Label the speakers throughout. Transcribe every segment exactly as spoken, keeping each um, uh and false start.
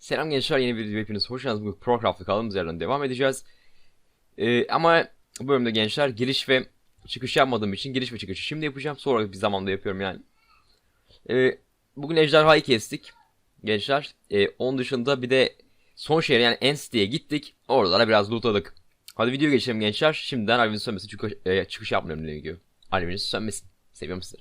Speaker 1: Selam gençler, yeni bir video hepiniz hoş geldiniz. Bugün ProCraft'ta kaldığımız yerden devam edeceğiz. Ee, ama bu bölümde gençler giriş ve çıkış yapmadığım için giriş ve çıkışı şimdi yapacağım. Sonra bir zamanda yapıyorum yani. Ee, bugün ejderhayı kestik gençler. Ee, onun dışında bir de son şehre yani Ensti'ye gittik. Oralara biraz lootladık. Hadi video geçelim gençler. Şimdiden Alev'in sönmesi çünkü e, çıkış yapmıyorum diye gidiyor. Alev'in sönmesin. Seviyorum sizleri.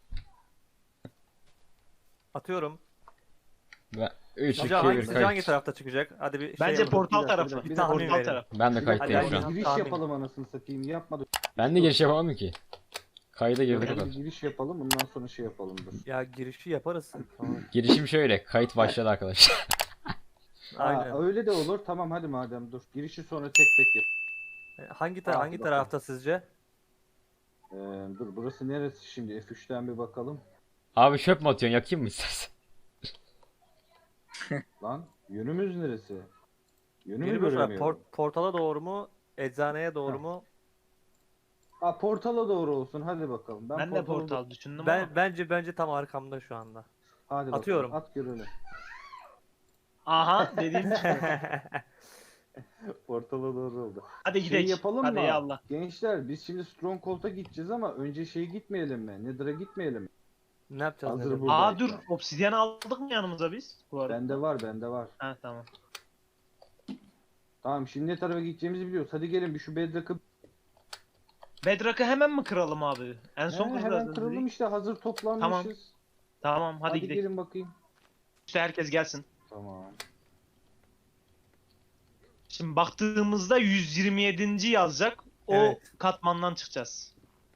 Speaker 2: Atıyorum.
Speaker 1: Ve üç, iki,
Speaker 2: Sıcağı hangi,
Speaker 1: bir,
Speaker 2: sıcağı hangi
Speaker 1: kayıt.
Speaker 2: tarafta çıkacak? Hadi bir
Speaker 3: Bence
Speaker 2: şey yapalım.
Speaker 3: portal
Speaker 2: Bir dakika,
Speaker 3: tarafı.
Speaker 2: Bir,
Speaker 3: Bir
Speaker 2: tahmin
Speaker 3: portal
Speaker 2: verelim.
Speaker 3: tarafı.
Speaker 1: Ben de
Speaker 2: Hadi
Speaker 1: kayıttayım
Speaker 2: ben
Speaker 1: şu an.
Speaker 2: tahmin.
Speaker 4: Giriş yapalım anasını satayım yapmadık.
Speaker 1: Ben de giriş yapamam ki. Kayda girdik o
Speaker 4: Hadi
Speaker 1: kadar.
Speaker 4: bir giriş yapalım bundan sonra şey yapalım dur.
Speaker 2: Ya girişi yaparız. Tamam.
Speaker 1: Girişim şöyle. Kayıt başladı arkadaşlar.
Speaker 2: Aynen.
Speaker 4: Aa, öyle de olur tamam hadi madem dur. Girişi sonra tek tek yap.
Speaker 2: Hangi ta
Speaker 4: Aa,
Speaker 2: hangi
Speaker 4: bakalım.
Speaker 2: tarafta sizce?
Speaker 4: Ee, dur burası neresi şimdi F üçten bir bakalım.
Speaker 1: Abi çöp mü atıyorsun? Yakayım mı istersen?
Speaker 4: Lan yönümüz neresi? Yönümü
Speaker 2: Yürümüş var.
Speaker 4: göremiyorum.
Speaker 2: Port- portala doğru mu? Eczaneye doğru
Speaker 4: Heh.
Speaker 2: mu?
Speaker 4: Aa portala doğru olsun hadi bakalım.
Speaker 3: Ben de
Speaker 4: portala
Speaker 3: portal
Speaker 4: doğru-
Speaker 3: düşündüm
Speaker 2: Ben
Speaker 3: ama.
Speaker 2: bence bence tam arkamda şu anda.
Speaker 4: Hadi
Speaker 2: Atıyorum.
Speaker 4: bakalım at görelim.
Speaker 3: Aha dediğim
Speaker 4: Portala doğru oldu.
Speaker 3: Hadi
Speaker 4: Şey
Speaker 3: gidelim.
Speaker 4: yapalım
Speaker 3: Hadi
Speaker 4: mı?
Speaker 3: ya Allah.
Speaker 4: Gençler biz şimdi Stronghold'a gideceğiz ama önce şeye gitmeyelim mi? Nether'a gitmeyelim mi?
Speaker 2: Ne yapacağız?
Speaker 4: Hazır
Speaker 2: Nedir?
Speaker 4: bu.
Speaker 3: Aa dur, obsidyen aldık mı yanımıza biz? Bu arada.
Speaker 4: Bende var bende var.
Speaker 3: Ha tamam.
Speaker 4: Tamam şimdi ne tarafa gideceğimizi biliyoruz. Hadi gelin bir şu Bedrock'ı.
Speaker 3: Bedrock'ı hemen mi kıralım abi? En son
Speaker 4: He,
Speaker 3: kıracağız
Speaker 4: hemen
Speaker 3: dedik.
Speaker 4: kıralım işte hazır toplanmışız.
Speaker 3: Tamam hadi,
Speaker 4: Hadi,
Speaker 3: gidelim.
Speaker 4: gelin bakayım.
Speaker 3: İşte herkes gelsin.
Speaker 4: Tamam.
Speaker 3: Şimdi baktığımızda yüz yirmi yedinci yazacak. O
Speaker 2: Evet.
Speaker 3: katmandan çıkacağız.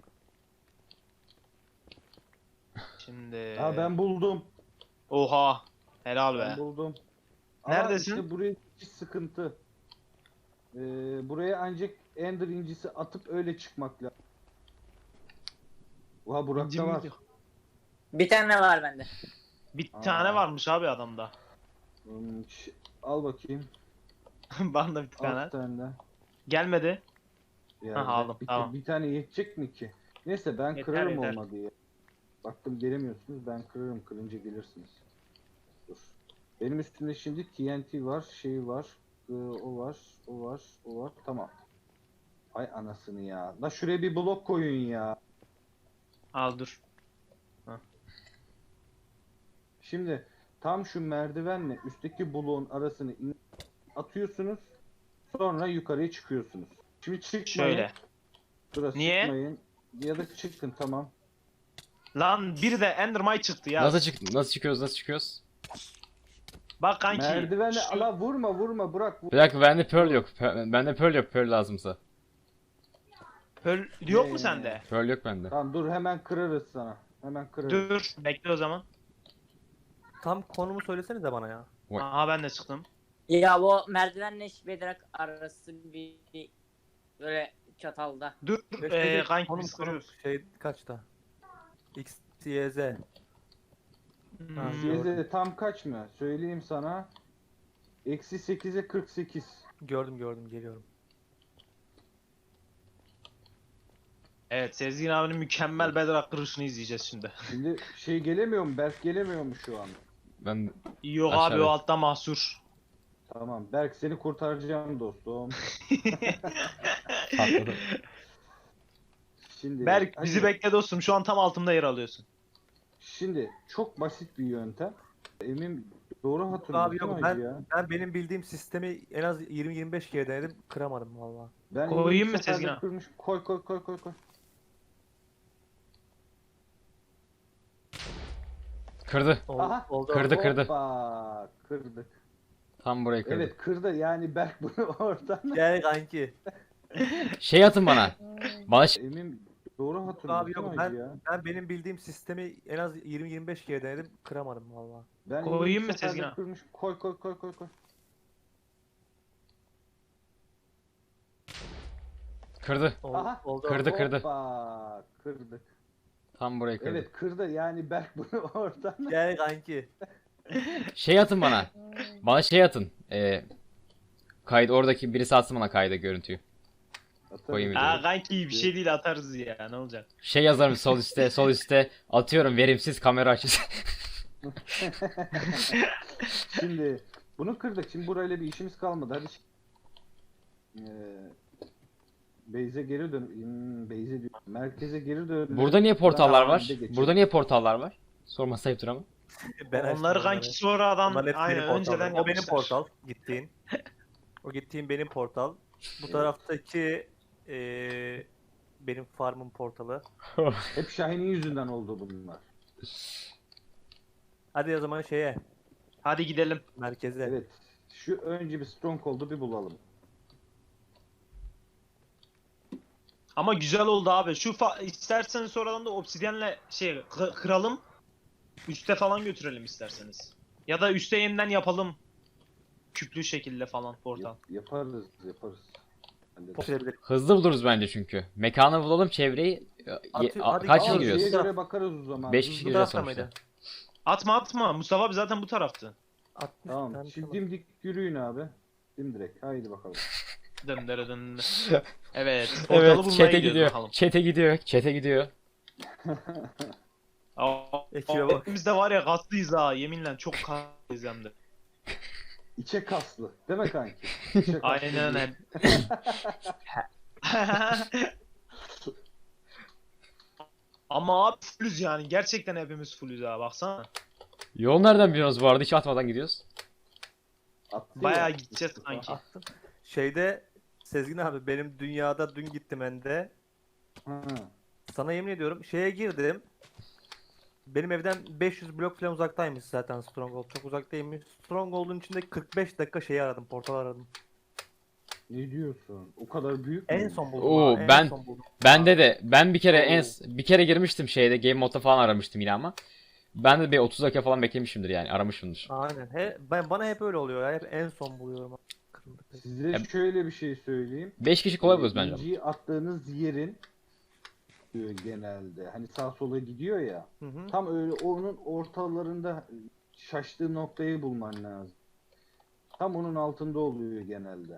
Speaker 3: Şimdi.
Speaker 4: Ha ben buldum.
Speaker 3: Oha. Helal be.
Speaker 4: Ben buldum. Ama
Speaker 3: Neredesin?
Speaker 4: işte buraya bir sıkıntı. Ee, buraya ancak Ender incisi atıp öyle çıkmak lazım. Oha Burak'ta
Speaker 3: İncim
Speaker 4: var.
Speaker 3: yok.
Speaker 5: Bir tane var bende.
Speaker 3: Bir
Speaker 4: Aa.
Speaker 3: tane varmış abi adamda.
Speaker 4: Hmm, ş- al bakayım.
Speaker 3: Bana da bir
Speaker 4: Al
Speaker 3: tane.
Speaker 4: bir tane de.
Speaker 3: Gelmedi.
Speaker 4: Yerde.
Speaker 3: aldım,
Speaker 4: bir,
Speaker 3: tamam.
Speaker 4: bir tane yetecek mi ki? Neyse ben
Speaker 3: Yeter,
Speaker 4: kırarım
Speaker 3: yeter.
Speaker 4: olmadı ya. Baktım gelemiyorsunuz ben kırarım kırınca gelirsiniz. Dur. Benim üstümde şimdi T N T var, şey var, ee, o var, o var, o var. Tamam. Ay anasını ya. La şuraya bir blok koyun ya.
Speaker 3: Al dur.
Speaker 4: Şimdi tam şu merdivenle üstteki bloğun arasını in- atıyorsunuz. Sonra yukarıya çıkıyorsunuz. Şimdi çıkmayın.
Speaker 3: Şöyle.
Speaker 4: Burası
Speaker 3: Niye?
Speaker 4: çıkmayın. Ya da çıkın tamam.
Speaker 3: Lan bir de Endermite çıktı ya.
Speaker 1: Nasıl çık nasıl çıkıyoruz? Nasıl çıkıyoruz?
Speaker 3: Bak kanki.
Speaker 4: Merdivenle
Speaker 3: şu-
Speaker 4: ala vurma vurma bırak. Vur.
Speaker 1: Bir dakika, bende pearl yok. Pe- Bende pearl yok. Pearl lazımsa.
Speaker 3: Pearl yok
Speaker 4: Ee,
Speaker 3: mu sende?
Speaker 1: Pearl yok bende.
Speaker 4: Tamam dur hemen kırarız sana. Hemen kırarız.
Speaker 3: Dur bekle o zaman.
Speaker 2: Tam konumu söylesenize bana ya.
Speaker 1: Vay.
Speaker 3: Aha ben de çıktım.
Speaker 5: Ya bu merdivenle Bedrock arası bir, bir böyle çatalda.
Speaker 3: Dur
Speaker 2: Bekle,
Speaker 3: ee,
Speaker 2: bekle.
Speaker 3: kanki
Speaker 2: Konum,
Speaker 3: biz
Speaker 2: konum.
Speaker 3: kırıyoruz.
Speaker 2: Şey kaçta? X, Y, Z.
Speaker 3: Hmm,
Speaker 2: Ha,
Speaker 4: Size tam kaç mı? Söyleyeyim sana. Eksi sekize kırk sekiz.
Speaker 2: Gördüm gördüm geliyorum.
Speaker 3: Evet Sezgin abinin mükemmel Bedrock kırışını izleyeceğiz şimdi.
Speaker 4: Şimdi şey gelemiyor mu? Berk gelemiyor mu şu an?
Speaker 1: Ben
Speaker 3: Yok
Speaker 1: Aşağı
Speaker 3: abi o
Speaker 1: evet.
Speaker 3: altta mahsur.
Speaker 4: Tamam. Berk seni kurtaracağım dostum.
Speaker 1: patladım.
Speaker 4: Şimdi
Speaker 3: Berk
Speaker 4: hadi.
Speaker 3: bizi bekle dostum, şu an tam altımda yer alıyorsun.
Speaker 4: Şimdi çok basit bir yöntem. Emin doğru
Speaker 2: Abi
Speaker 4: hatırlıyorum
Speaker 2: yok
Speaker 4: hacı
Speaker 2: ben,
Speaker 4: ya.
Speaker 2: ben benim bildiğim sistemi en az yirmi yirmi beş kere denedim kıramadım valla.
Speaker 4: Ben
Speaker 3: Koyayım
Speaker 4: yirmi
Speaker 3: mı
Speaker 4: seferde
Speaker 3: Sezgin abi?
Speaker 4: kırmış. Koy koy koy koy koy.
Speaker 1: Kırdı.
Speaker 2: Oldu,
Speaker 4: Aha,
Speaker 2: oldu.
Speaker 1: Kırdı, kırdı.
Speaker 4: Hoppa, kırdık.
Speaker 1: Tam burayı kırdı.
Speaker 4: Evet kırdı yani Berk bunu oradan.
Speaker 2: Gel kanki.
Speaker 1: Şey atın bana. Bana ş-
Speaker 4: Emin doğru
Speaker 2: Abi
Speaker 4: hatırlıyorsun
Speaker 2: yok
Speaker 4: hacı
Speaker 2: ben,
Speaker 4: ya.
Speaker 2: ben benim bildiğim sistemi en az yirmi yirmi beş kere denedim kıramadım valla.
Speaker 4: Ben
Speaker 3: Koyayım
Speaker 4: yirmi
Speaker 3: mı
Speaker 4: seferde
Speaker 3: Sezgin abi?
Speaker 4: kırmış. Koy koy koy koy koy.
Speaker 1: kırdı.
Speaker 2: Oldu,
Speaker 4: Aha,
Speaker 2: oldu.
Speaker 1: Kırdı, kırdı.
Speaker 4: Hoppa, kırdık.
Speaker 1: Tam burayı kırdı.
Speaker 4: Evet kırdı yani Berk bunu oradan.
Speaker 2: Gel kanki.
Speaker 1: Şey atın bana. Bana şey atın. Ee, kaydı oradaki birisi atsın bana kayda görüntüyü. Koyayım
Speaker 4: Atarız.
Speaker 1: videoyu.
Speaker 3: Aa kanki bir şey değil, atarız ya, ne olacak?
Speaker 1: Şey yazarım sol üstte, sol üstte. Atıyorum verimsiz kamera açısı.
Speaker 4: Şimdi Bunu kırdık. Şimdi burayla bir işimiz kalmadı. Hadi. Ee, Beyze geri dön. Hmm, Beyze diyor. Merkeze geri dön.
Speaker 1: Burada niye portallar
Speaker 4: Ben
Speaker 1: var?
Speaker 4: Ahmet'e geçeyim.
Speaker 1: Burada niye portallar var? Sorma sayıptır ama.
Speaker 2: Ben açtım
Speaker 3: Onları kanki
Speaker 2: onları.
Speaker 3: sonradan
Speaker 2: Bunların hepsi
Speaker 3: aynen
Speaker 2: benim portalım.
Speaker 3: önceden
Speaker 2: O benim
Speaker 3: yapmışlar.
Speaker 2: portal. Gittiğin. O gittiğin benim portal. Bu taraftaki eee benim farmın portalı.
Speaker 4: Hep Şahin'in yüzünden oldu bunlar.
Speaker 2: Hadi o zaman şeye,
Speaker 3: Hadi gidelim.
Speaker 2: merkeze.
Speaker 4: Evet. Şu önce bir Stronghold'u bir bulalım.
Speaker 3: Ama güzel oldu abi. Şu fa- isterseniz sonradan da obsidyenle şey kı- kıralım. Üste falan götürelim isterseniz. Ya da üste yeniden yapalım. Küplü şekilde falan portal.
Speaker 4: Yap- yaparız, yaparız. Hallederiz.
Speaker 2: Portal
Speaker 1: Hızlı buluruz bence çünkü. Mekanı bulalım, çevreyi. Ye-
Speaker 2: Atıyor-
Speaker 1: a-
Speaker 2: hadi
Speaker 1: kaç
Speaker 2: al,
Speaker 1: kişi
Speaker 4: Şeye
Speaker 1: giriyoruz?
Speaker 2: giriyoruz.
Speaker 4: göre bakarız o zaman.
Speaker 1: beş kişi
Speaker 2: Bu
Speaker 1: gireceğiz
Speaker 2: tarafta
Speaker 1: sonuçta.
Speaker 2: mıydı?
Speaker 3: Atma atma. Mustafa abi zaten bu taraftı.
Speaker 2: altmış
Speaker 4: Tamam.
Speaker 2: tane
Speaker 4: Şimdi
Speaker 2: tamam.
Speaker 4: dimdik yürüyün abi. Dimdirek. Haydi bakalım.
Speaker 3: Döndere döndere. Evet. Portalı
Speaker 1: Evet,
Speaker 3: bulmaya
Speaker 1: çete
Speaker 3: gidiyoruz
Speaker 1: gidiyor.
Speaker 3: bakalım.
Speaker 1: Çete gidiyor. Çete gidiyor.
Speaker 3: Aa,
Speaker 2: Ekibe bak.
Speaker 3: hepimiz de var ya kaslıyız ha. Yeminle çok kaslıyız hem de.
Speaker 4: İçe kaslı. Değil mi kanki? İçe kaslı
Speaker 3: Aynen
Speaker 4: değil.
Speaker 3: öyle. Ama abi fullüz yani. Gerçekten hepimiz fullüz ha. Baksana.
Speaker 1: Yol nereden biliyorsunuz bu arada? Hiç atmadan gidiyoruz.
Speaker 4: Attı
Speaker 3: Bayağı
Speaker 4: ya.
Speaker 3: gideceğiz sanki.
Speaker 2: Attım. Şeyde Sezgin abi benim dünyada dün gittim ende.
Speaker 4: Ha.
Speaker 2: Sana yemin ediyorum şeye girdim. Benim evden beş yüz blok falan uzaktaymış zaten Stronghold. Çok uzaktaymış. Stronghold'un içinde kırk beş dakika şeyi aradım. Portal aradım.
Speaker 4: Ne diyorsun? O kadar büyük
Speaker 2: En
Speaker 4: mü?
Speaker 2: son buldum.
Speaker 1: Oo,
Speaker 2: ha, en
Speaker 1: ben-
Speaker 2: son buldum.
Speaker 1: Bende de ben bir kere en
Speaker 4: Oo.
Speaker 1: bir kere girmiştim şeyde Game Mode'da falan aramıştım yine ama. Ben de bir otuz dakika falan beklemişimdir yani aramışımdır.
Speaker 2: Aynen. He, ben bana hep öyle oluyor ya. Hep en son buluyorum. Kırıldı pek.
Speaker 4: Size
Speaker 1: Ya-
Speaker 4: şöyle bir şey söyleyeyim.
Speaker 1: beş kişi kolay buluruz bence. ama.
Speaker 4: İnciyi attığınız yerin diyor genelde. Hani sağ sola gidiyor ya.
Speaker 2: Hı hı.
Speaker 4: Tam öyle onun ortalarında şaştığı noktayı bulman lazım. Tam onun altında oluyor genelde.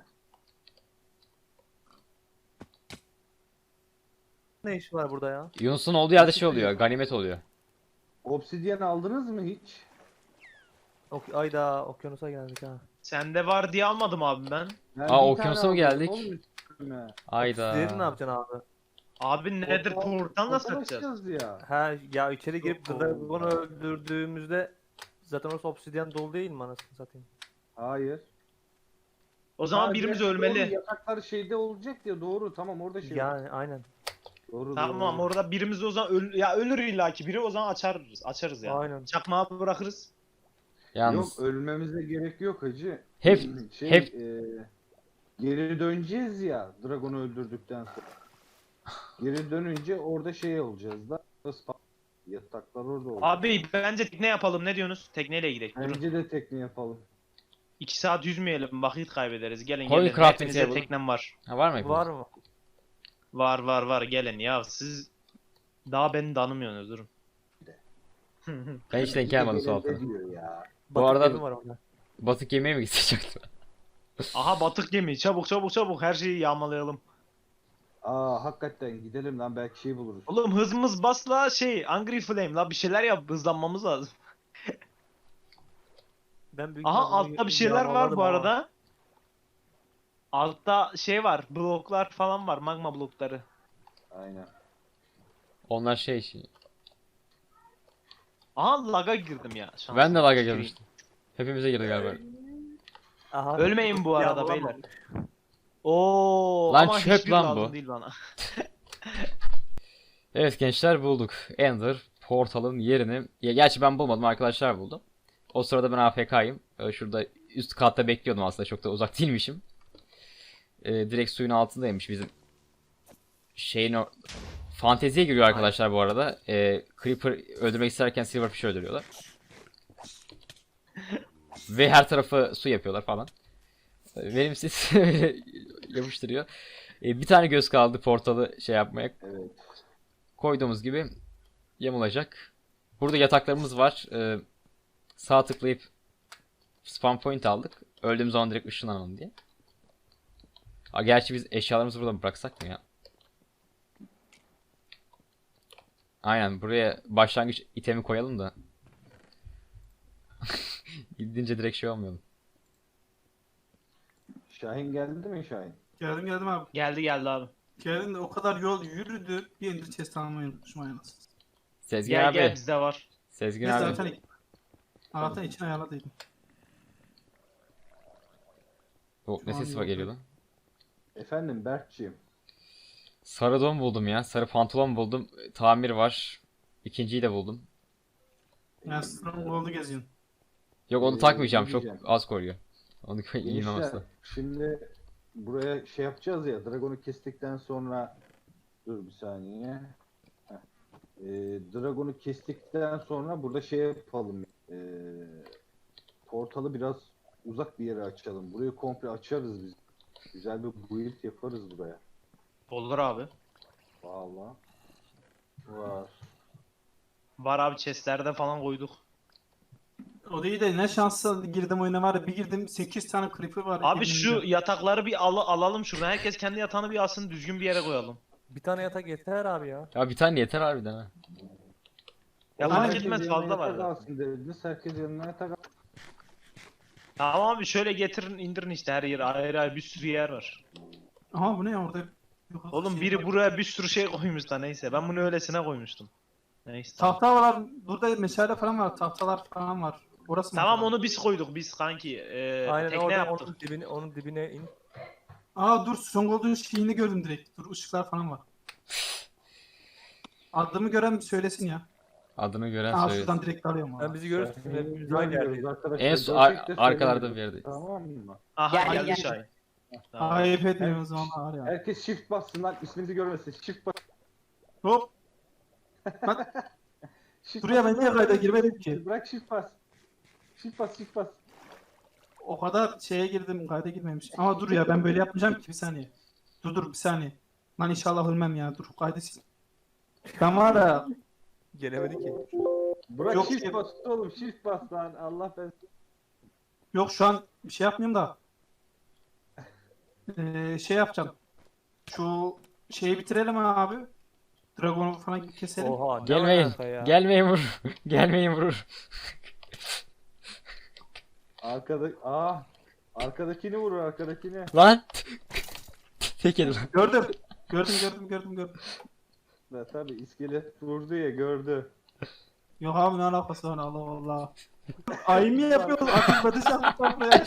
Speaker 2: Ne işi var burada ya?
Speaker 1: Yunus'un olduğu yerde şey oluyor, ganimet oluyor.
Speaker 4: Obsidyen aldınız mı hiç?
Speaker 2: Ok Ayda okyanusa geldik ha.
Speaker 3: Sende var diye almadım abi ben.
Speaker 4: Ben
Speaker 1: Aa,
Speaker 4: bir tane
Speaker 1: okyanusa mı
Speaker 4: aldım,
Speaker 1: geldik?
Speaker 4: oğlum üstüme.
Speaker 1: Ayda.
Speaker 2: Diğerini ne yapacaksın abi?
Speaker 3: Abi nedir
Speaker 4: Portal-
Speaker 3: portal nasıl
Speaker 4: portal
Speaker 3: açacağız?
Speaker 4: açacağız ya.
Speaker 2: Ha ya içeri girip
Speaker 4: Oo.
Speaker 2: Dragon'u öldürdüğümüzde zaten orası obsidyen dolu değil mi anasını satayım?
Speaker 4: Hayır.
Speaker 3: O zaman
Speaker 4: Ha,
Speaker 3: birimiz
Speaker 4: doğru,
Speaker 3: ölmeli.
Speaker 4: yataklar şeyde olacak ya doğru tamam orada şey.
Speaker 2: Yani aynen.
Speaker 4: Doğru,
Speaker 3: Tamam
Speaker 4: doğru.
Speaker 3: orada birimiz o zaman öl ya ölür illaki biri o zaman açarız. Açarız yani.
Speaker 2: Aynen.
Speaker 3: Çakmağı bırakırız.
Speaker 1: Yalnız
Speaker 4: Yok ölmemize gerek yok hacı.
Speaker 1: Hep-
Speaker 4: şey,
Speaker 1: hep-
Speaker 4: e, geri döneceğiz ya Dragon'u öldürdükten sonra. Geri dönünce orada şey olacağız da spa- yataklar orada olacak.
Speaker 3: Abi bence tekne yapalım ne diyorsunuz? Tekneyle gidelim. Durun.
Speaker 4: Bence de tekne yapalım.
Speaker 3: iki saat yüzmeyelim vakit kaybederiz. Gelin
Speaker 1: Coin
Speaker 3: gelin.
Speaker 1: crafting
Speaker 3: Hepinize
Speaker 1: table.
Speaker 3: teknem var.
Speaker 1: ha, var mı?
Speaker 2: Var mı?
Speaker 3: Var var var gelin ya siz daha beni tanımıyorsunuz durun.
Speaker 1: Ben hiç denk gelmedim su altına.
Speaker 4: Ne diyor ya?
Speaker 2: Batık
Speaker 1: arada-
Speaker 2: gemi var orada.
Speaker 1: Batık yemeğe mi gidecektim?
Speaker 3: Aha batık gemi çabuk çabuk çabuk her şeyi yağmalayalım.
Speaker 4: Aa hakikaten gidelim lan belki şey buluruz.
Speaker 3: Oğlum hızımız basla şey Angry Flame la bir şeyler yap hızlanmamız lazım.
Speaker 2: Ben büyük
Speaker 3: Aha
Speaker 2: ihtimalle
Speaker 3: altta bir şeyler var
Speaker 2: yağmaladım
Speaker 3: bu
Speaker 2: ama.
Speaker 3: arada. Altta şey var bloklar falan var magma blokları.
Speaker 4: Aynen.
Speaker 1: Onlar şey şey.
Speaker 3: Aha laga girdim ya. şansım.
Speaker 1: Ben de laga
Speaker 3: Gireyim.
Speaker 1: girmiştim. Hepimize girdi galiba.
Speaker 2: Aha,
Speaker 3: Ölmeyin bu arada
Speaker 2: yağmalama.
Speaker 3: beyler. Oo
Speaker 1: Lan
Speaker 3: ama
Speaker 1: çöp
Speaker 3: hiçbir
Speaker 1: lan
Speaker 3: lazım
Speaker 1: bu.
Speaker 3: değil bana.
Speaker 1: Evet gençler bulduk. Ender portalın yerini. Ya gerçi ben bulmadım arkadaşlar buldu. O sırada ben A F K'yım. Ee, Şurada üst katta bekliyordum aslında çok da uzak değilmişim. Ee, direkt suyun altındaymış bizim şeyin o... Fanteziye giriyor arkadaşlar bu arada. Ee, Creeper öldürmek isterken Silverfish öldürüyorlar. Ve her tarafı su yapıyorlar falan. Ee, Verimsiz yapıştırıyor. Ee, bir tane göz kaldı portalı şey yapmaya.
Speaker 4: Evet.
Speaker 1: Koyduğumuz gibi yamulacak. Burada yataklarımız var. Ee, sağ tıklayıp spawn point aldık. Öldüğümüz zaman direkt ışınlanalım diye. Aa, gerçi biz eşyalarımızı burada mı bıraksak mı ya? Aynen buraya başlangıç itemi koyalım da. Gidince direkt şey olmayalım.
Speaker 4: Şahin geldi mi Şahin?
Speaker 6: Geldim geldim abi.
Speaker 3: Geldi geldi abi.
Speaker 6: Geldim de o kadar yol yürüdü. Bir ender chest almayı unutmuşum aynısı.
Speaker 1: Sezgin
Speaker 3: Gel
Speaker 1: abi.
Speaker 3: gel bizde var.
Speaker 1: Sezgin
Speaker 6: Neyse
Speaker 1: abi.
Speaker 6: zaten Allah'tan içine ayarladıydım.
Speaker 1: O, ne
Speaker 6: Şu an
Speaker 1: sesi var
Speaker 6: yok.
Speaker 1: geliyor lan?
Speaker 4: Efendim Berkçiğim.
Speaker 1: Sarı don buldum ya. Sarı pantolon buldum. Tamir var. İkinciyi de buldum.
Speaker 6: Yani Stronghold'u geziyorsun.
Speaker 1: Yok onu
Speaker 4: Ee,
Speaker 1: takmayacağım.
Speaker 4: ne
Speaker 1: Çok
Speaker 4: diyeceğim?
Speaker 1: az koruyor. Onu giymem
Speaker 4: Gençler
Speaker 1: aslında.
Speaker 4: şimdi buraya şey yapacağız ya. Dragon'u kestikten sonra dur bir saniye. Heh. Ee, Dragon'u kestikten sonra burada şey yapalım. Ee, portalı biraz uzak bir yere açalım. Burayı komple açarız biz. Güzel bir build yaparız buraya.
Speaker 3: Olur abi.
Speaker 4: Vallahi. Var.
Speaker 3: Var abi chestlerde falan koyduk.
Speaker 6: O değil de ne şanslı girdim oyuna var ya bir girdim sekiz tane creeper var.
Speaker 3: Abi şu
Speaker 6: elimde.
Speaker 3: yatakları bir al alalım şuradan. Herkes kendi yatağını bir alsın düzgün bir yere koyalım.
Speaker 2: Bir tane yatak yeter abi ya.
Speaker 1: Ya bir tane yeter harbiden ha.
Speaker 3: Ya
Speaker 6: Aynen.
Speaker 3: fark
Speaker 4: Herkes
Speaker 3: etmez
Speaker 4: yanına
Speaker 3: fazla var.
Speaker 4: yatak
Speaker 3: da.
Speaker 4: alsın dediniz. Herkes yanına yatak alsın.
Speaker 3: Tamam abi şöyle getirin indirin işte her yere ayrı ayrı bir sürü yer var.
Speaker 6: Aha bu ne ya orada? Yok,
Speaker 3: Oğlum
Speaker 6: şey
Speaker 3: biri
Speaker 6: var.
Speaker 3: buraya bir sürü şey koymuş da neyse. Ben bunu öylesine koymuştum. Neyse. Tamam,
Speaker 6: Tahta var. Burada meşale falan var. Tahtalar falan var. Orası mı?
Speaker 3: tamam onu biz koyduk biz kanki. Ee,
Speaker 2: Aynen
Speaker 3: tekne
Speaker 2: orada
Speaker 3: yaptık.
Speaker 2: onun dibine, onun dibine in.
Speaker 6: Aa dur Stronghold'un şeyini gördüm direkt. Dur ışıklar falan var. Adımı gören bir söylesin ya.
Speaker 1: Adını gören
Speaker 6: Aa
Speaker 1: söyle.
Speaker 6: şuradan direkt alıyorum
Speaker 2: Ben
Speaker 6: abi.
Speaker 2: bizi görürsün.
Speaker 4: Şahin'i
Speaker 2: Hepimiz aynı
Speaker 4: görmüyoruz
Speaker 2: yerdeyiz.
Speaker 4: arkadaşlar.
Speaker 1: En son
Speaker 4: Gerçek de
Speaker 1: ar- arkalarda bir
Speaker 4: söylemiyoruz.
Speaker 1: yerdeyiz.
Speaker 4: Tamam mı?
Speaker 3: Aha
Speaker 5: Gel,
Speaker 3: geldi
Speaker 5: gel.
Speaker 3: Şahin. Tamam.
Speaker 6: Ayıp etmiyoruz o zaman var ya.
Speaker 4: Herkes shift bassın lan isminizi görmesin. Shift bas.
Speaker 6: Hop.
Speaker 4: Shift
Speaker 6: Buraya ben
Speaker 4: bas.
Speaker 6: niye kayda girmedim ki?
Speaker 4: Bırak shift bas. Shift bas shift bas.
Speaker 6: O kadar şeye girdim kayda girmemiş. Ama dur ya ben böyle yapmayacağım ki bir saniye. Dur dur bir saniye. Lan inşallah ölmem ya. Dur kaydı sil. Ben var ya.
Speaker 2: Gelemedi ki.
Speaker 4: Bırak
Speaker 6: Yok,
Speaker 4: shift
Speaker 6: yok.
Speaker 4: bas oğlum shift bas lan. Allah ben.
Speaker 6: Yok şu an bir şey yapmıyorum da. Ee, şey yapacağım. Şu şeyi bitirelim abi. Dragon'u falan keselim.
Speaker 2: Oha ne
Speaker 1: Gelmeyin.
Speaker 2: alaka ya?
Speaker 1: Gelmeyin vurur. Gelmeyin vurur.
Speaker 4: Arkada aa arkadakini vurur arkadakini.
Speaker 1: Lan. Tek yedi lan.
Speaker 6: Gördüm. Gördüm gördüm gördüm gördüm.
Speaker 4: Ya tabii iskelet vurdu ya gördü.
Speaker 6: Yok abi ne alakası var Allah Allah. Ay mı yapıyoruz? Akıllı dışarı buraya.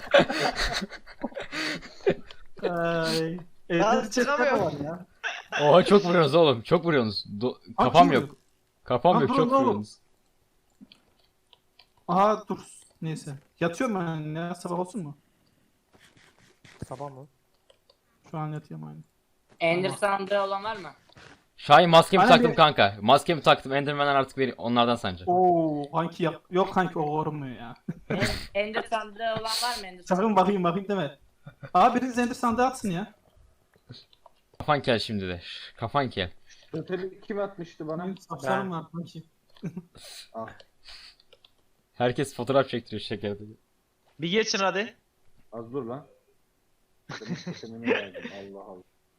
Speaker 6: Ay.
Speaker 3: Lan
Speaker 6: Evde çekme
Speaker 3: çıkamıyorum.
Speaker 6: var ya.
Speaker 1: Oha çok vuruyorsunuz oğlum. Çok vuruyorsunuz. Do-
Speaker 6: Abi
Speaker 1: Kafam
Speaker 6: kim
Speaker 1: yok.
Speaker 6: vuruyor?
Speaker 1: Kafam
Speaker 6: Lan
Speaker 1: yok.
Speaker 6: durun
Speaker 1: Çok
Speaker 6: oğlum.
Speaker 1: vuruyorsunuz.
Speaker 6: Aha dur. Neyse. Yatıyorum ben ya. Sabah olsun mu?
Speaker 2: Sabah mı?
Speaker 6: Şu an yatıyorum aynı.
Speaker 5: Ender sandığı olan var mı?
Speaker 1: Şahin maskemi
Speaker 6: Aynen
Speaker 1: taktım
Speaker 6: bir-
Speaker 1: kanka. Maskemi taktım. Enderman'ler artık beni onlardan sanacak.
Speaker 6: Oo kanki yap. Yok kanki o korunmuyor ya.
Speaker 5: En- Ender sandığı olan var mı? Ender sandığı?
Speaker 6: Sakın bakayım bakayım deme. Abi biriniz ender sandığı atsın ya.
Speaker 1: Kafan kel şimdi de. Kafan kel.
Speaker 4: Totemi kim atmıştı bana?
Speaker 6: Benim saçlarım var kanki.
Speaker 4: Ah.
Speaker 1: Herkes fotoğraf çektiriyor şeker.
Speaker 3: Bir geçin hadi.
Speaker 4: Az dur lan. Benim totemimi verdim Allah Allah.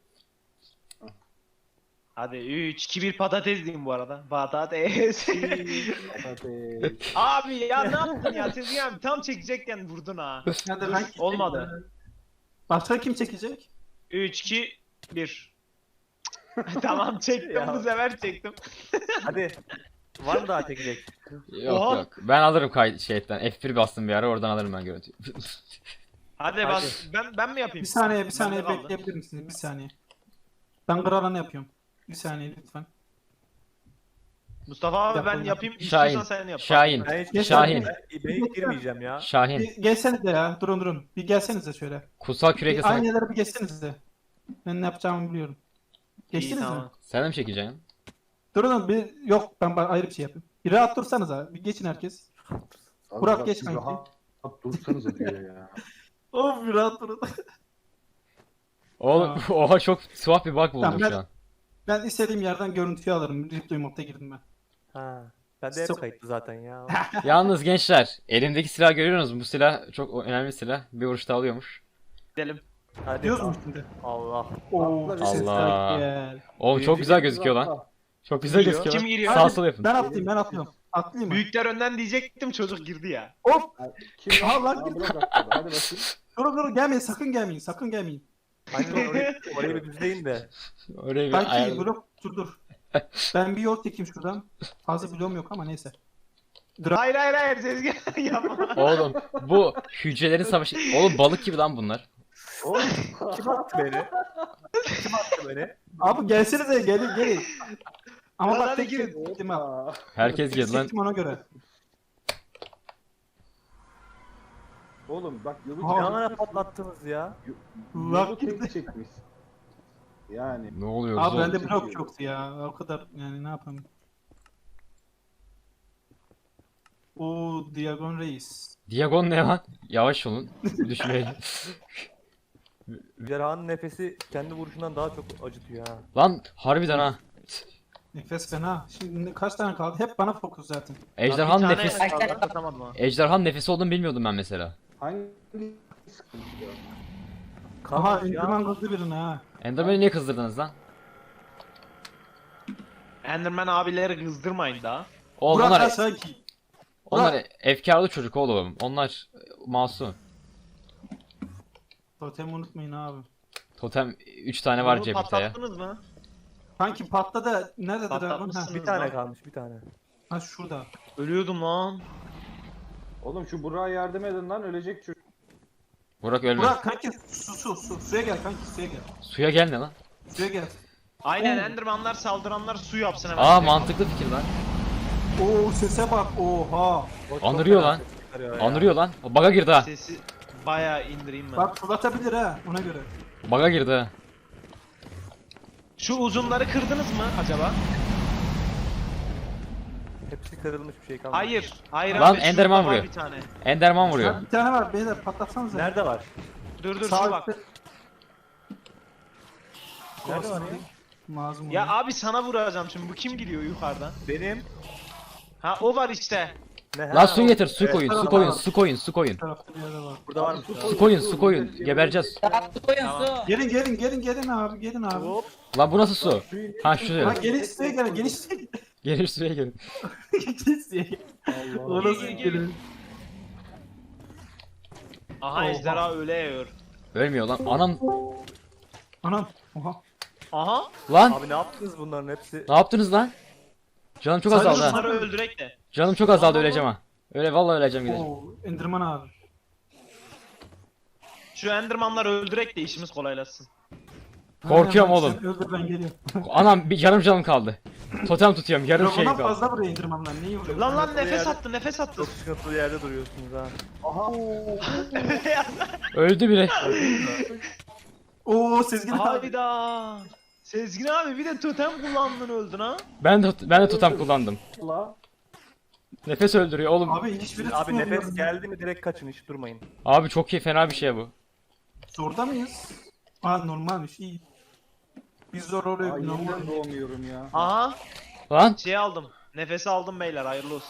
Speaker 3: Hadi üç iki bir patates diyeyim bu arada. Patates.
Speaker 4: Patates.
Speaker 3: Abi ya ne yaptın ya? Sezgin abi tam çekecekken vurdun ha.
Speaker 6: Hadi kanki.
Speaker 3: Olmadı.
Speaker 6: Başka kim çekecek?
Speaker 3: üç iki bir. Tamam çektim
Speaker 2: Ya.
Speaker 3: bu sefer çektim.
Speaker 2: Hadi. Var mı daha çekecek?
Speaker 1: Yok
Speaker 3: Oha.
Speaker 1: yok. Ben alırım kay şeyden. F bir bastım bir ara oradan alırım ben görüntüyü.
Speaker 3: Hadi,
Speaker 2: Hadi.
Speaker 3: ben, ben ben mi yapayım?
Speaker 6: Bir saniye bir saniye
Speaker 3: Bende kaldı.
Speaker 6: bekleyebilir misiniz? Bir saniye. Ben kralını yapıyorum. Bir saniye lütfen.
Speaker 3: Mustafa abi ben
Speaker 6: Yapalım.
Speaker 3: yapayım.
Speaker 1: Şahin.
Speaker 3: İstiyorsan sen yap.
Speaker 1: Şahin.
Speaker 2: Ben hiç,
Speaker 6: Geç
Speaker 1: Şahin.
Speaker 2: Ben, ben hiç girmeyeceğim ya.
Speaker 1: Şahin.
Speaker 6: Bir gelsenize ya. Durun durun. Bir gelsenize şöyle.
Speaker 1: Kutsal kürekle
Speaker 6: Bir, aynı
Speaker 1: sana...
Speaker 6: yerlere bir geçsenize. Ben ne yapacağımı biliyorum.
Speaker 3: İyi,
Speaker 6: Geçtiniz mi?
Speaker 3: tamam.
Speaker 1: Sen de mi çekeceksin?
Speaker 6: Durun bir yok ben ba- ayrı bir şey yapayım. Bir rahat dursanıza. Bir geçin herkes.
Speaker 4: Az
Speaker 6: Burak
Speaker 4: bak,
Speaker 6: geç
Speaker 4: siz
Speaker 6: kanki.
Speaker 4: rahat dursanıza diyor ya.
Speaker 6: Of bir rahat durun.
Speaker 1: Oğlum oha çok tuhaf bir bug buldum
Speaker 6: Tamam, ben-
Speaker 1: şu an.
Speaker 6: Ben istediğim yerden görüntüyü alırım. Replay modda girdim ben.
Speaker 2: Ha. Ben de hep
Speaker 6: Çok-
Speaker 2: kayıtlı zaten ya.
Speaker 1: Yalnız gençler elimdeki silah görüyorsunuz mu? Bu silah çok önemli silah. Bir vuruşta alıyormuş.
Speaker 3: Gidelim.
Speaker 2: Hadi.
Speaker 6: Diyoruz mu şimdi?
Speaker 2: Allah.
Speaker 6: Oo,
Speaker 4: Allah.
Speaker 6: sesler gel.
Speaker 1: Oğlum çok güzel gözüküyor lan. Çok güzel
Speaker 2: Giriyor.
Speaker 1: gözüküyor.
Speaker 3: Kim giriyor?
Speaker 1: Sağ sol yapın.
Speaker 6: Ben atlayayım ben atlıyorum. Atlayayım mı?
Speaker 3: Büyükler önden diyecektim çocuk girdi ya.
Speaker 6: Hop!
Speaker 4: Kim
Speaker 6: Aha, lan
Speaker 4: Aa,
Speaker 6: girdi.
Speaker 4: Burak atladı. Hadi bakayım.
Speaker 6: Durun durun gelmeyin sakın gelmeyin sakın gelmeyin.
Speaker 2: Aynen orayı, orayı bir düzleyin de.
Speaker 1: Oraya bir
Speaker 6: Kanki
Speaker 1: ayarladım.
Speaker 6: blok dur dur. Ben bir yol çekeyim şuradan. Fazla bloğum yok ama neyse.
Speaker 3: Hayır hayır hayır Sezgin yapma.
Speaker 1: Oğlum bu hücrelerin savaşı. Oğlum balık gibi lan bunlar.
Speaker 2: Oğlum kim attı beni? Kim attı beni?
Speaker 6: Abi gelsenize gelin gelin. Ama
Speaker 3: Lan
Speaker 6: bak
Speaker 3: hadi
Speaker 6: tek
Speaker 3: girin.
Speaker 6: şey gittim ha.
Speaker 4: Aa,
Speaker 1: Herkes girdi lan.
Speaker 6: Çektim ona göre.
Speaker 4: oğlum bak yolu
Speaker 6: Aa.
Speaker 2: Ne ara patlattınız ya?
Speaker 4: yolu
Speaker 6: Bak
Speaker 4: tek
Speaker 6: gitti.
Speaker 4: çekmiş. Yani
Speaker 1: Ne oluyor
Speaker 6: Abi
Speaker 1: zor?
Speaker 6: bende
Speaker 4: zor.
Speaker 6: blok yoktu ya. O kadar yani ne yapayım. O Diagon Reis.
Speaker 1: Diagon ne lan? Yavaş olun. Düşmeyin.
Speaker 2: Cerrahın nefesi kendi vuruşundan daha çok acıtıyor ha.
Speaker 1: Lan harbiden ha.
Speaker 6: Nefes fena. Şimdi kaç tane kaldı? Hep bana fokus zaten.
Speaker 1: Ejderhan
Speaker 3: Bir tane
Speaker 1: nefes.
Speaker 3: kaldı, atamadım ha.
Speaker 1: Ejderhan nefesi olduğunu bilmiyordum ben mesela.
Speaker 4: hangi sıkıntı ya?
Speaker 6: Aha
Speaker 2: Kalmış ya.
Speaker 6: Enderman kızdı birine ha.
Speaker 1: Enderman'i niye kızdırdınız lan?
Speaker 3: Enderman abileri kızdırmayın daha.
Speaker 1: Oğlum
Speaker 6: Burak
Speaker 1: onlar,
Speaker 6: ha sanki.
Speaker 1: onlar efkarlı çocuk oğlum. Onlar e, masum.
Speaker 6: Totemi unutmayın abi.
Speaker 1: Totem üç tane var
Speaker 3: Bunu
Speaker 1: cepte ya.
Speaker 3: patlattınız mı?
Speaker 6: Kanki patladı. Nerede Dragon? Ha,
Speaker 3: Patlatmışsınız.
Speaker 2: Bir tane
Speaker 3: lan.
Speaker 2: kalmış bir tane.
Speaker 6: ha şurada.
Speaker 3: Ölüyordum lan.
Speaker 4: Oğlum şu Burak'a yardım edin lan ölecek çocuk.
Speaker 1: Burak ölme.
Speaker 6: Burak kanki su su su. Suya gel kanki suya gel.
Speaker 1: Suya gel ne lan?
Speaker 6: Suya gel.
Speaker 3: Aynen
Speaker 6: Oo.
Speaker 3: Endermanlar saldıranlar su yapsın hemen.
Speaker 1: Aa mantıklı fikir lan.
Speaker 6: Oo sese bak. Oha.
Speaker 2: O çok
Speaker 1: Anırıyor
Speaker 2: fena
Speaker 1: lan.
Speaker 2: ses çıkarıyor ya.
Speaker 1: Anırıyor lan. Baga girdi ha.
Speaker 3: Sesi bayağı indireyim ben.
Speaker 6: Bak fırlatabilir ha ona göre.
Speaker 1: Baga girdi ha.
Speaker 3: Şu uzunları kırdınız mı acaba?
Speaker 2: Hepsi kırılmış bir şey kalmadı.
Speaker 3: Hayır. Hayır
Speaker 1: Lan
Speaker 3: abi,
Speaker 1: Enderman
Speaker 3: şurada var
Speaker 1: vuruyor.
Speaker 3: Bir tane.
Speaker 1: Enderman vuruyor.
Speaker 6: Ha, bir tane var beyler patlatsanıza.
Speaker 2: Nerede var?
Speaker 3: Dur dur
Speaker 6: Sağ
Speaker 3: şu bak.
Speaker 6: üstte.
Speaker 2: Nerede var ya?
Speaker 6: Mazlum
Speaker 3: Ya
Speaker 6: ya.
Speaker 3: abi sana vuracağım şimdi. Bu kim gidiyor yukarıdan?
Speaker 2: Benim.
Speaker 3: Ha o var işte.
Speaker 2: Ne?
Speaker 1: Lan su getir, su
Speaker 2: Evet,
Speaker 1: koyun, su
Speaker 2: tamam.
Speaker 1: koyun, su koyun, su koyun.
Speaker 6: Bir tarafta bir yerde var.
Speaker 2: Burada var mı?
Speaker 1: Su koyun, su koyun. Gebereceğiz.
Speaker 5: Su koyun
Speaker 3: Tamam.
Speaker 5: su.
Speaker 6: Gelin gelin gelin gelin abi gelin abi.
Speaker 2: Hop.
Speaker 1: Lan bu nasıl su? Ha
Speaker 6: Ha
Speaker 1: şu.
Speaker 6: geniş suya gelin geniş suya gelin.
Speaker 1: Gelir suya gelin.
Speaker 6: Geniş suya gelin.
Speaker 4: Allah.
Speaker 6: O nasıl
Speaker 3: Gel, gel, gel.
Speaker 6: gelin?
Speaker 3: Aha
Speaker 6: Oha.
Speaker 3: ejderha öyle yiyor.
Speaker 1: Ölmüyor lan. Anam.
Speaker 6: Anam. Oha.
Speaker 3: Aha.
Speaker 1: Lan.
Speaker 2: Abi ne yaptınız bunların hepsi?
Speaker 1: Ne yaptınız lan? Canım çok
Speaker 6: Sadece
Speaker 1: azaldı ha.
Speaker 3: Bunları öldürek de.
Speaker 1: Canım çok azaldı öleceğim ha. Öyle vallahi öleceğim gideceğim.
Speaker 6: Oo Enderman abi.
Speaker 3: Şu endermanları öldürek de işimiz kolaylaşsın.
Speaker 1: Korkuyorum
Speaker 6: Aynen,
Speaker 1: oğlum.
Speaker 6: sen Öldür ben geliyorum.
Speaker 1: Anam bir yarım canım kaldı. Totem tutuyorum yarım şey
Speaker 6: Dragon'dan
Speaker 1: kaldı.
Speaker 6: fazla buraya Endermanlar. Neyi vuruyor?
Speaker 3: Lan lan
Speaker 2: Buraya
Speaker 3: nefes
Speaker 2: yerde-
Speaker 3: attı nefes attı.
Speaker 2: Çok sıkıntılı yerde duruyorsunuz ha.
Speaker 4: Aha.
Speaker 1: Öldü bile.
Speaker 6: Oo Sezgin abi.
Speaker 3: Hayda. Sezgin abi bir de totem kullandın öldün ha.
Speaker 1: Ben de ben de totem kullandım.
Speaker 4: La.
Speaker 1: Nefes öldürüyor oğlum. Abi,
Speaker 6: Abi hiçbiri
Speaker 2: Abi
Speaker 6: tutmuyor.
Speaker 2: nefes geldi mi direkt kaçın hiç durmayın.
Speaker 1: çok iyi fena bir şey bu.
Speaker 6: Zorda mıyız? Aa normalmiş iyi. Biz zor oraya
Speaker 4: Aa,
Speaker 6: normal.
Speaker 4: yeniden doğmuyorum ya.
Speaker 3: Aha
Speaker 1: Lan
Speaker 3: şey aldım. Nefesi aldım beyler hayırlı olsun.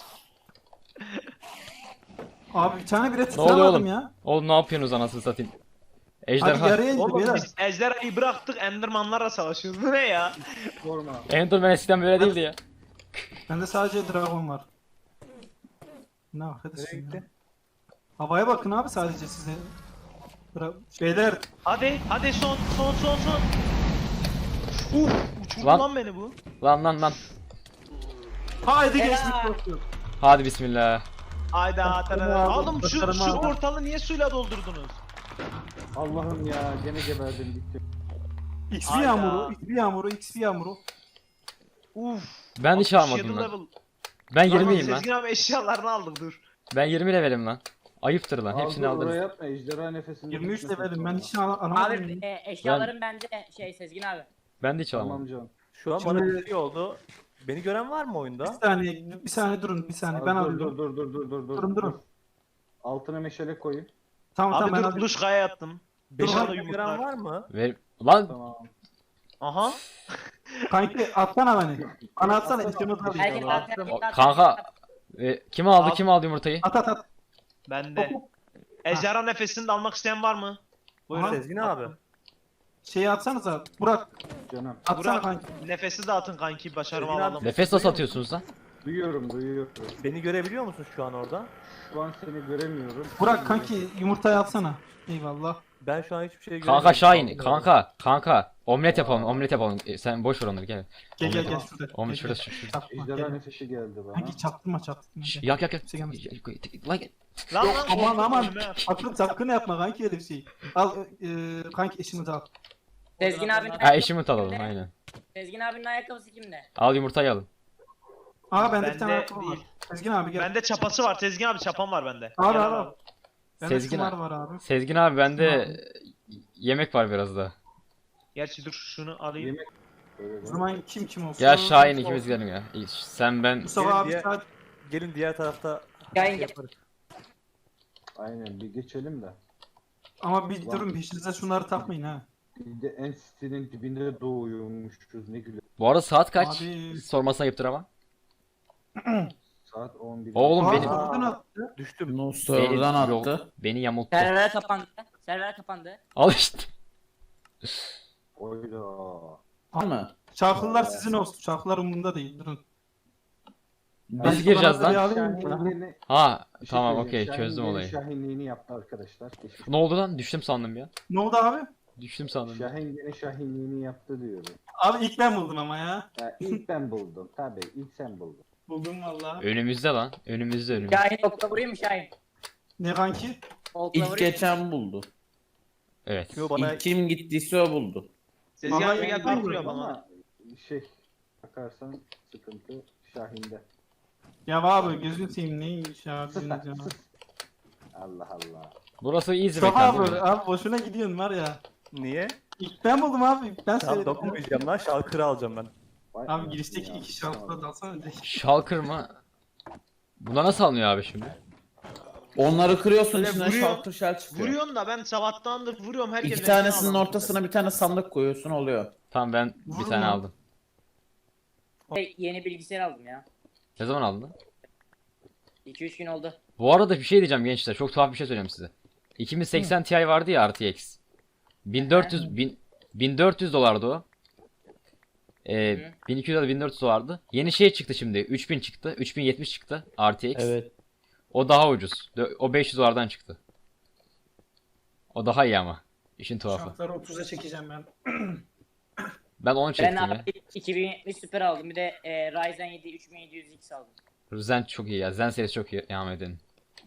Speaker 6: Abi bir tane bile
Speaker 1: oluyor
Speaker 6: tutamadım
Speaker 1: oğlum?
Speaker 6: ya.
Speaker 1: oğlum ne yapıyorsunuz anasını satayım.
Speaker 6: Hadi
Speaker 1: Ejderha.
Speaker 6: yarıya indi
Speaker 3: Oğlum
Speaker 6: beyler.
Speaker 3: biz ejderhayı bıraktık endermanlarla savaşıyoruz. Bu ne ya?
Speaker 4: Sorma.
Speaker 1: Enderman eskiden böyle değildi ya.
Speaker 6: Bende sadece dragon var. Ne
Speaker 2: Nereye
Speaker 6: arkadaşım ya.
Speaker 2: gitti?
Speaker 6: Havaya bakın abi sadece size. Bra Beyler
Speaker 3: Hadi hadi son son son son. Uf uçurdu
Speaker 1: Lan.
Speaker 3: lan beni bu.
Speaker 1: Lan lan lan.
Speaker 6: haydi
Speaker 5: Helal.
Speaker 6: geçtik korktu.
Speaker 1: Hadi bismillah.
Speaker 3: Hayda tarara.
Speaker 6: aldım,
Speaker 3: Oğlum şu,
Speaker 6: başarımı
Speaker 3: şu
Speaker 6: aldım.
Speaker 3: portalı niye suyla doldurdunuz?
Speaker 4: Allah'ım ya gene geberdim gittim.
Speaker 6: X P
Speaker 3: Hayda.
Speaker 6: yağmuru, X P yağmuru, X P yağmuru.
Speaker 3: Uf.
Speaker 1: Ben hiç
Speaker 3: altmış
Speaker 1: almadım
Speaker 3: yedi
Speaker 1: lan.
Speaker 3: level.
Speaker 1: Ben
Speaker 3: Lan
Speaker 1: yirmiyim lan.
Speaker 3: Sezgin abi eşyalarını aldık dur.
Speaker 1: Ben yirmi levelim lan. Ayıptır lan. Hepsini
Speaker 4: Al, dur,
Speaker 1: alırız.
Speaker 4: oraya atma ejderha nefesini.
Speaker 6: yirmi üç
Speaker 4: tutmasın
Speaker 6: levelim ben
Speaker 4: sonra.
Speaker 6: hiç al alamadım.
Speaker 5: Abi e, eşyalarım bende şey Sezgin abi.
Speaker 1: Ben de hiç
Speaker 4: Tamam
Speaker 1: alamadım.
Speaker 4: canım.
Speaker 2: Şu an
Speaker 6: Şimdi-
Speaker 2: bana bir şey oldu. Beni gören var mı
Speaker 6: Bir
Speaker 2: oyunda?
Speaker 6: saniye, bir saniye durun, bir saniye
Speaker 4: Aa,
Speaker 6: ben
Speaker 4: dur,
Speaker 6: alıyorum.
Speaker 4: dur dur dur dur dur.
Speaker 6: Durun, durun.
Speaker 4: Altına meşale koyun.
Speaker 6: Tamam
Speaker 3: Abi
Speaker 6: tamam ben
Speaker 3: dur
Speaker 6: alıyorum.
Speaker 3: kuluçkaya yattım.
Speaker 2: Beni
Speaker 3: Dışarıda
Speaker 2: gören
Speaker 3: yumurtlar.
Speaker 2: var mı?
Speaker 1: Ver. Lan
Speaker 4: Tamam.
Speaker 3: Aha.
Speaker 6: Kanki atsana beni. Bana atsana içimi
Speaker 5: Herkes
Speaker 6: alayım.
Speaker 5: at, herkes
Speaker 1: O-
Speaker 5: at.
Speaker 1: kanka. e, kim aldı
Speaker 3: Al.
Speaker 1: kim aldı yumurtayı?
Speaker 6: At at at.
Speaker 3: Bende.
Speaker 6: Hop, hop.
Speaker 3: Ejderha nefesini de almak isteyen var mı? Buyurun.
Speaker 6: Aha.
Speaker 2: Sezgin abi.
Speaker 6: Şeyi atsanıza. Burak
Speaker 4: Canım.
Speaker 6: atsana
Speaker 3: Burak
Speaker 6: kanki.
Speaker 3: nefesi de atın kanki başarımı
Speaker 2: Sezgin abi.
Speaker 3: alalım.
Speaker 1: Nefes nasıl atıyorsunuz lan?
Speaker 4: Duyuyorum duyuyorum.
Speaker 2: Beni görebiliyor musun şu an orada?
Speaker 4: Şu an seni göremiyorum.
Speaker 6: Burak kanki yumurtayı atsana. Eyvallah.
Speaker 2: Ben şu an hiçbir şey göremiyorum.
Speaker 1: Kanka Şahin,
Speaker 2: Anlıyorum.
Speaker 1: kanka, kanka. Omlet yapalım, omlet yapalım. E, sen boş ver onları gel.
Speaker 6: Gel gel gel
Speaker 4: Tamam.
Speaker 6: şurada.
Speaker 1: Omlet
Speaker 6: Gel,
Speaker 1: şurası,
Speaker 6: gel.
Speaker 1: şurada.
Speaker 6: Çaktırma,
Speaker 4: Ejderha
Speaker 6: gel.
Speaker 4: nefesi geldi bana.
Speaker 6: Kanki çaktırma çaktırma.
Speaker 1: Şş,
Speaker 6: gel.
Speaker 1: yak yak yak.
Speaker 6: Kimse gelmez.
Speaker 1: Lan
Speaker 3: Lan lan
Speaker 6: Aman
Speaker 3: korktum,
Speaker 6: aman.
Speaker 3: önüme at.
Speaker 6: Sakın sakın yapma kanki öyle bir şey. Al e, kanki eşimi de al.
Speaker 5: Sezgin abinin
Speaker 1: ha
Speaker 5: ayakkabısı
Speaker 1: eşimi alalım
Speaker 5: kimde?
Speaker 1: aynen.
Speaker 5: Sezgin abinin ayakkabısı kimde?
Speaker 1: Al yumurtayı alın.
Speaker 6: Aa bende bir
Speaker 3: Bende
Speaker 6: tane ayakkabı var.
Speaker 3: değil.
Speaker 6: Sezgin abi gel.
Speaker 3: Bende çapası var. Tezgin abi çapam var bende.
Speaker 6: Al
Speaker 3: Gel
Speaker 6: al al. Bende
Speaker 1: Sezgin
Speaker 6: şunlar
Speaker 1: abi.
Speaker 6: var abi.
Speaker 1: Sezgin abi bende yemek var biraz da.
Speaker 3: Gerçi dur şunu alayım.
Speaker 4: Yemek. Öyle
Speaker 6: O
Speaker 4: de.
Speaker 6: zaman kim kim olsun?
Speaker 1: Ya Şahin
Speaker 6: Kim
Speaker 1: ikimiz
Speaker 6: olsun?
Speaker 1: gidelim ya. İyi, Sen ben
Speaker 6: Mustafa
Speaker 2: Gelin
Speaker 6: abi
Speaker 2: diye-
Speaker 6: saat.
Speaker 2: Gelin diğer tarafta
Speaker 5: Şahin
Speaker 2: şey
Speaker 5: gel.
Speaker 2: yaparız.
Speaker 4: Aynen bir geçelim de.
Speaker 6: Ama bir durun peşinize şunları takmayın ha.
Speaker 4: Bir de en sitenin dibinde doğuyormuşuz ne güzel.
Speaker 1: bu arada saat kaç?
Speaker 6: Abi.
Speaker 1: Sormasına ayıptır ama.
Speaker 4: Saat on bir.
Speaker 1: Oğlum
Speaker 6: Aa,
Speaker 1: benim
Speaker 6: oradan attı.
Speaker 2: Düştüm.
Speaker 7: No
Speaker 1: beni,
Speaker 7: server'dan
Speaker 1: yok,
Speaker 7: attı.
Speaker 1: beni yamulttu.
Speaker 5: Server kapandı. Server kapandı.
Speaker 1: Al işte.
Speaker 4: Oyda.
Speaker 7: Var mı?
Speaker 6: Şarkılar sizin olsun. Şarkılar umurumda değil. Durun.
Speaker 1: Biz gireceğiz lan.
Speaker 4: Şahinliğini,
Speaker 1: Ha
Speaker 4: bir şey
Speaker 1: tamam
Speaker 4: söyleyeceğim.
Speaker 1: okey çözdüm
Speaker 4: Şahin
Speaker 1: olayı.
Speaker 4: gene Şahinliğini yaptı arkadaşlar. Geçmiş.
Speaker 1: Ne oldu lan? Düştüm sandım ya.
Speaker 6: Ne oldu abi?
Speaker 1: Düştüm sandım. ya.
Speaker 4: Şahin gene Şahinliğini yaptı diyorum.
Speaker 6: Abi ilk ben buldum ama ya.
Speaker 4: Ya ilk ben buldum. Tabii ilk sen buldun.
Speaker 6: Buldum valla.
Speaker 1: Önümüzde lan. Önümüzde önümüzde.
Speaker 5: Şahin okla vurayım mı Şahin?
Speaker 6: Ne kanki?
Speaker 5: Okla
Speaker 7: İlk
Speaker 5: vurayım mı?
Speaker 7: geçen buldu.
Speaker 1: Evet.
Speaker 2: Yo, bana
Speaker 7: İlk kim gittiyse o buldu.
Speaker 3: Sezgin
Speaker 6: Vallahi
Speaker 3: abi gel
Speaker 6: ben
Speaker 3: ben
Speaker 6: de
Speaker 3: kuruyorum ama.
Speaker 4: Ama şey bakarsan sıkıntı Şahin'de.
Speaker 6: Ya abi gözünü seveyim neymiş ya.
Speaker 4: Sus
Speaker 6: Gözünü
Speaker 4: lan,
Speaker 6: seveyim.
Speaker 4: sus. Allah Allah.
Speaker 1: Burası easy
Speaker 6: Mustafa
Speaker 1: mekan
Speaker 6: abi,
Speaker 1: değil mi?
Speaker 6: abi boşuna gidiyorsun var ya.
Speaker 2: niye?
Speaker 6: İlk ben buldum abi. İlk ben
Speaker 2: Tamam
Speaker 6: söyledim.
Speaker 2: dokunmayacağım lan şalkırı alacağım ben.
Speaker 4: Vay
Speaker 6: Abi
Speaker 4: anasını
Speaker 6: girişteki
Speaker 4: ya.
Speaker 6: iki şarkıda dalsana direkt.
Speaker 1: Shulker mı? Buna nasıl alınıyor abi şimdi?
Speaker 7: Onları kırıyorsun
Speaker 3: Böyle
Speaker 7: içinden
Speaker 3: vuruyor,
Speaker 7: şaltır şel çıkıyor.
Speaker 3: Vuruyorsun da ben sabahtandır vuruyorum herkes.
Speaker 7: İki
Speaker 3: renkli
Speaker 7: tanesinin
Speaker 3: adam.
Speaker 7: ortasına bir tane sandık koyuyorsun oluyor.
Speaker 1: Tamam ben bir
Speaker 6: Vurma.
Speaker 1: tane aldım.
Speaker 5: Hey, yeni bilgisayar aldım ya.
Speaker 1: Ne zaman aldın?
Speaker 5: iki üç gün oldu.
Speaker 1: Bu arada bir şey diyeceğim gençler. Çok tuhaf bir şey söyleyeyim size. iki bin seksen Ti vardı ya R T X. bin dört yüz bin, bin dört yüz dolardı o. Ee,
Speaker 5: Hı.
Speaker 1: bin iki yüz ya da bin dört yüz dolardı. Yeni şey çıktı şimdi. üç bin çıktı. üç bin yetmiş çıktı R T X.
Speaker 7: Evet.
Speaker 1: O daha ucuz. Dö- O beş yüz dolardan çıktı. O daha iyi ama. İşin tuhafı.
Speaker 6: Şarkıları otuza çekeceğim ben.
Speaker 1: Ben onu
Speaker 5: Ben
Speaker 1: çektim ya.
Speaker 5: abi iki bin yetmiş Super aldım. Bir de e, Ryzen yedi üç bin yedi yüz X aldım.
Speaker 1: Zen çok iyi ya. Zen serisi çok iyi. Devam edin.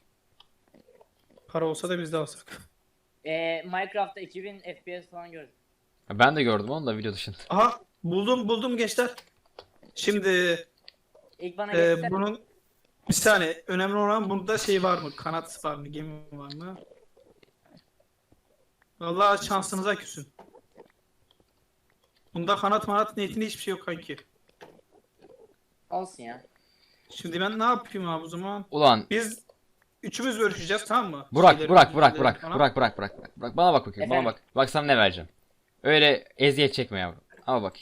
Speaker 6: Para olsa da biz de alsak.
Speaker 5: E, Minecraft'ta iki bin F P S falan gördüm.
Speaker 1: Ben de gördüm onu da video dışında.
Speaker 6: Aha buldum buldum gençler. Şimdi
Speaker 5: İlk bana
Speaker 6: e,
Speaker 5: göster.
Speaker 6: bunun bir saniye önemli olan bunda şey var mı? Kanat var mı? Gemi var mı? Vallahi şansınıza küsün. Bunda kanat manat niyetinde hiçbir şey yok kanki.
Speaker 5: Olsun ya.
Speaker 6: Şimdi ben ne yapayım abi o zaman?
Speaker 1: Ulan
Speaker 6: Biz üçümüz görüşeceğiz tamam mı?
Speaker 1: Burak,
Speaker 6: Şeyleri,
Speaker 1: Burak, Burak,
Speaker 6: bilgileri
Speaker 1: Burak,
Speaker 6: falan.
Speaker 1: Burak, Burak, Burak, Burak, Burak, bana bak bakayım, bana
Speaker 5: Efendim?
Speaker 1: bak. Bak sana ne vereceğim. Öyle eziyet çekme yavrum. Ama bak.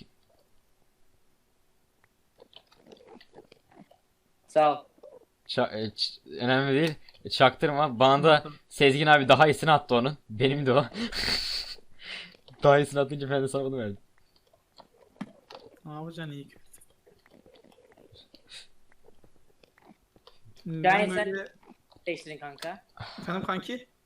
Speaker 5: Sağ ol.
Speaker 1: Ça- e, ç- önemli değil. E, Çaktırma. Bana da Sezgin abi daha iyisini attı onun. Benim de o. Daha iyisini atınca ben de sana bunu verdim.
Speaker 6: Ne yapacaksın iyi kötü.
Speaker 5: Yani
Speaker 6: Ben
Speaker 5: sen-
Speaker 6: böyle...
Speaker 5: Değiştirin kanka.
Speaker 6: Efendim kanki?